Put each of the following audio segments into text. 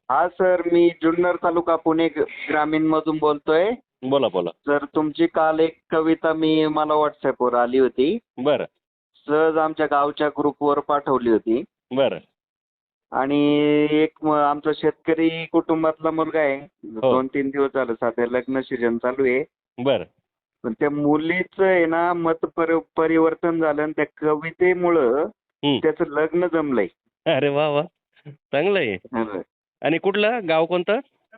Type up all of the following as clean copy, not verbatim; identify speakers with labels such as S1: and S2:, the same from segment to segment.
S1: हा सर, मी जुन्नर तालुका पुणे ग्रामीण मधून बोलतोय.
S2: बोला बोला.
S1: सर, तुमची काल एक कविता मला व्हॉट्सअपवर आली होती.
S2: बरं
S1: सहज आमच्या गावच्या ग्रुपवर पाठवली होती.
S2: बरं.
S1: आणि आमचा शेतकरी कुटुंबातला मुलगा आहे.
S2: हो.
S1: 2-3 दिवस झालं, सध्या लग्न सीजन चालू आहे.
S2: बरं.
S1: पण त्या मुलीचं आहे ना मत परिवर्तन झालं आणि त्या कवितेमुळं त्याचं लग्न जमलंय.
S2: अरे वा वा, चांगलं आहे. आणि कुठलं गाव कोणतं?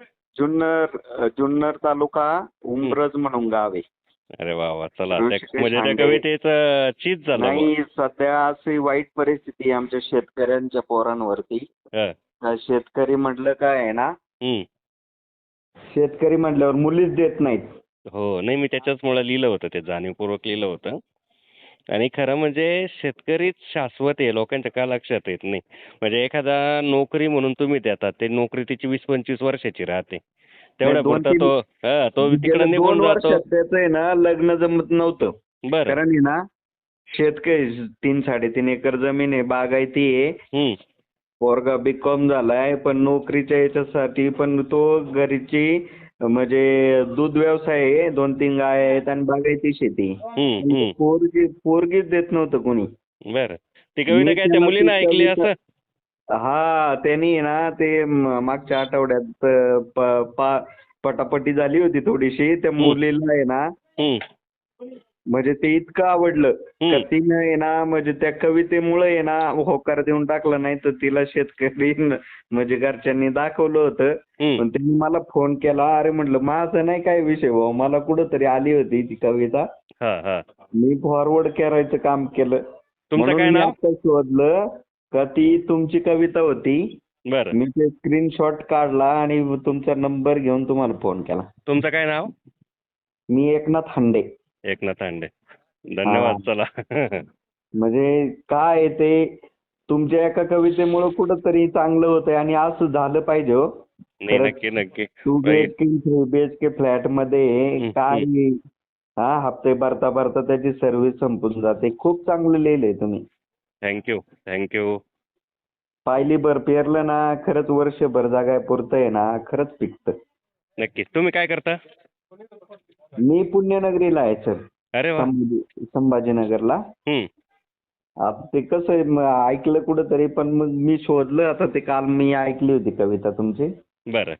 S1: जुन्नर तालुका उंब्रज म्हणून गाव आहे.
S2: अरे वा वा, चला
S1: ऋषिकेश
S2: म्हणजे त्या
S1: हांडे.
S2: कवितेचं चीज झालं.
S1: नाही, सध्या अशी वाईट परिस्थिती आहे आमच्या शेतकऱ्यांच्या पोरांवरती. शेतकरी म्हटलं काय आहे ना, शेतकरी म्हटल्यावर मुलीच देत नाहीत.
S2: हो, नाही मी त्याच्याचमुळे लिहिलं होतं, ते जाणीवपूर्वक लिहिलं होतं. आणि खरं म्हणजे शेतकरीच शाश्वत आहे, लोकांच्या का लक्षात येत नाही. म्हणजे एखादा नोकरी म्हणून तुम्ही देतात, ते नोकरी तिची 20-25 वर्षाची राहते, तेवढ्या पुरता तो तिकडे निघून
S1: 2
S2: जातो.
S1: वर्षात त्याचं आहे ना लग्न जमत नव्हतं.
S2: बरं.
S1: कारण आहे ना, शेतकरी 3-3.5 एकर जमीन आहे, बागायती आहे. पोरगा बीकॉम झालाय, पण नोकरीच्या याच्यासाठी पण तो घरीची म्हणजे दूध व्यवसाय आहे, 2-3 गाय आहेत आणि बागायती शेती. पोरगीच देत नव्हतं कोणी.
S2: बरं. ती कविता काय त्या मुलीनं ऐकली असं?
S1: हा, त्यांनी ना ते मागच्या आठवड्यात पटापटी झाली होती थोडीशी. त्या मुलीला आहे ना म्हणजे ते इतकं आवडलं का तिनं आहे ना म्हणजे त्या कवितेमुळे आहे ना होकार देऊन टाकलं. नाही तर तिला शेतकरी म्हणजे घरच्यांनी दाखवलं होतं. पण त्यांनी मला फोन केला. अरे म्हटलं, माझं नाही काय विषय भाऊ, मला कुठंतरी आली होती ती कविता, मी फॉरवर्ड करायचं काम केलं.
S2: तुमचं काय नाव?
S1: आता शोधलं का ती तुमची कविता होती.
S2: बरं.
S1: मी ते स्क्रीनशॉट काढला आणि तुमचा नंबर घेऊन तुम्हाला फोन केला.
S2: तुमचं काय नाव?
S1: मी एकनाथ हांडे.
S2: एकनाथ हांडे, धन्यवाद. चला.
S1: म्हणजे काय ते तुमच्या एका कवितेमुळे कुठंतरी चांगलं होतंय आणि असं झालं पाहिजे. हो,
S2: नक्की नक्की.
S1: 2 BHK 3 BHK फ्लॅट मध्ये काय हप्ते भरता भरता त्याची सर्व्हिस संपून जाते. खूप चांगलं लिहिलंय तुम्ही.
S2: थँक्यू.
S1: पायलीभर पेरलं ना, खरंच वर्षभर जागाय पुरतं आहे ना, खरंच पिकतं.
S2: नक्की. तुम्ही काय करता?
S1: मी पुण्यनगरीला आहे सर.
S2: अरे वा.
S1: संभाजीनगरला. आता ते कसं आहे, ऐकलं कुठंतरी, पण मग मी शोधलं. आता ते काल मी ऐकली होती कविता तुमची.
S2: बरं.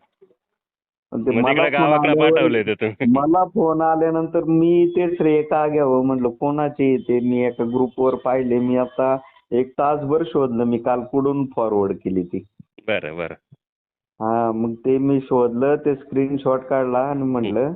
S2: गावाकडे पाठवले ते तुम्ही?
S1: मला फोन आल्यानंतर मी ते श्रेय का घ्यावं म्हटलं, कोणाचे ते मी एका ग्रुपवर पाहिले. मी आता 1 तासभर शोधलं. मी काल कुठून फॉरवर्ड केली ती.
S2: बरं.
S1: हा, मग ते मी शोधलं, ते स्क्रीनशॉट काढला आणि म्हटलं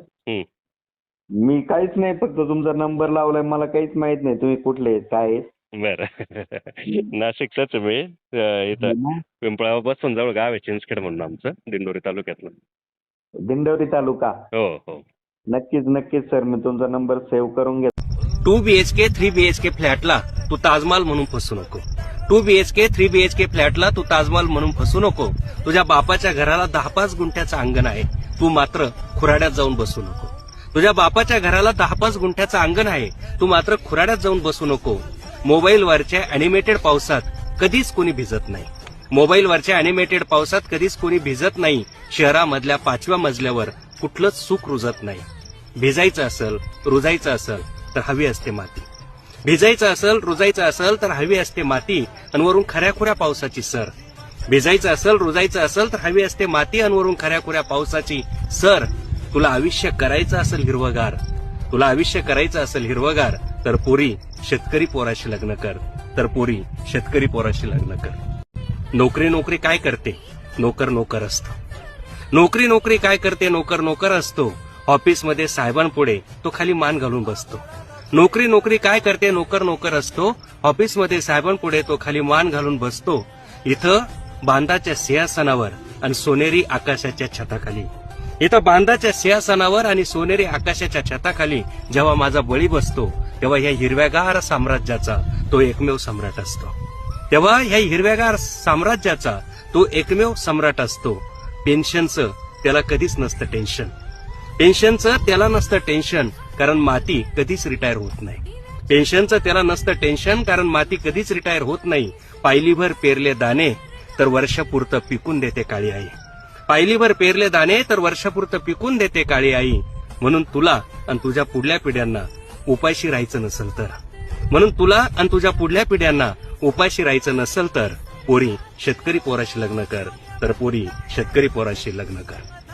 S1: मी काहीच नाही, फक्त तुमचा नंबर लावलाय, मला काहीच माहित नाही तुम्ही कुठले आहेत काय आहेत.
S2: बरं. नाशिकचाच मी, इथं पिंपळापासून जवळ गाव आहे चिंचखेड म्हणून आमचं, दिंडोरी तालुक्यातलं.
S1: दिंडोरी तालुका.
S2: हो.
S1: नक्कीच सर, मी तुमचा नंबर सेव्ह करून घेतो.
S3: 2 BHK 3 BHK फ्लॅटला तू ताजमहाल म्हणून फसू नको. 2 BHK 3 BHK फ्लॅटला तू ताजमहाल म्हणून फसू नको. तुझ्या बापाच्या घराला 10-5 गुंठ्याचं अंगण आहे, तू मात्र खुराड्यात जाऊन बसू नको. तुझ्या बापाच्या घराला 10-5 गुंठ्याचं अंगण आहे, तू मात्र खुराड्यात जाऊन बसू नको. मोबाईलवरच्या अॅनिमेटेड पावसात कधीच कोणी भिजत नाही. मोबाईलवरच्या अॅनिमेटेड पावसात कधीच कोणी भिजत नाही. शहरामधल्या 5व्या मजल्यावर कुठलंच सुख रुजत नाही. भिजायचं असेल, रुजायचं असेल तर हवी असते माती. भिजायचं असेल, रुजायचं असेल तर हवी असते माती, अनवरून खऱ्याखुऱ्या पावसाची सर. भिजायचं असेल, रुजायचं असेल तर हवी असते माती, अनवरून खऱ्याखुऱ्या पावसाची सर. तुला आयुष्य करायचं असेल हिरवगार, तुला आयुष्य करायचं असेल हिरवगार, तर पोरी शेतकरी पोराशी लग्न कर, तर पोरी शेतकरी पोराशी लग्न कर. नोकरी काय करते? नोकर असतो. नोकरी काय करते? नोकर असतो. ऑफिसमध्ये साहेबांपुढे तो खाली मान घालून बसतो. नोकरी काय करते? नोकर असतो. ऑफिसमध्ये साहेबांपुढे तो खाली मान घालून बसतो. इथं बांधाच्या सिंहासनावर आणि सोनेरी आकाशाच्या छताखाली, इथं बांधाच्या सिंहासनावर आणि सोनेरी आकाशाच्या छताखाली जेव्हा माझा बळी बसतो, तेव्हा ह्या हिरव्यागार साम्राज्याचा तो एकमेव सम्राट असतो. तेव्हा ह्या हिरव्यागार साम्राज्याचा तो एकमेव सम्राट असतो. पेन्शनचं त्याला कधीच नसतं टेन्शन. पेन्शनचं त्याला नसतं टेन्शन, कारण माती कधीच रिटायर होत नाही. पेन्शनचं त्याला नसतं टेन्शन, कारण माती कधीच रिटायर होत नाही. पायलीभर पेरले दाणे तर वर्षापुरतं पिकून देते काळी आई. पायलीभर पेरले दाणे तर वर्षापुरतं पिकून देते काळी आई. म्हणून तुला आणि तुझ्या पुढल्या पिढ्यांना उपाशी राहायचं नसेल तर, म्हणून तुला आणि तुझ्या पुढल्या पिढ्यांना उपाशी राहायचं नसेल तर पोरी शेतकरी पोराशी लग्न कर, तर पोरी शेतकरी पोराशी लग्न कर.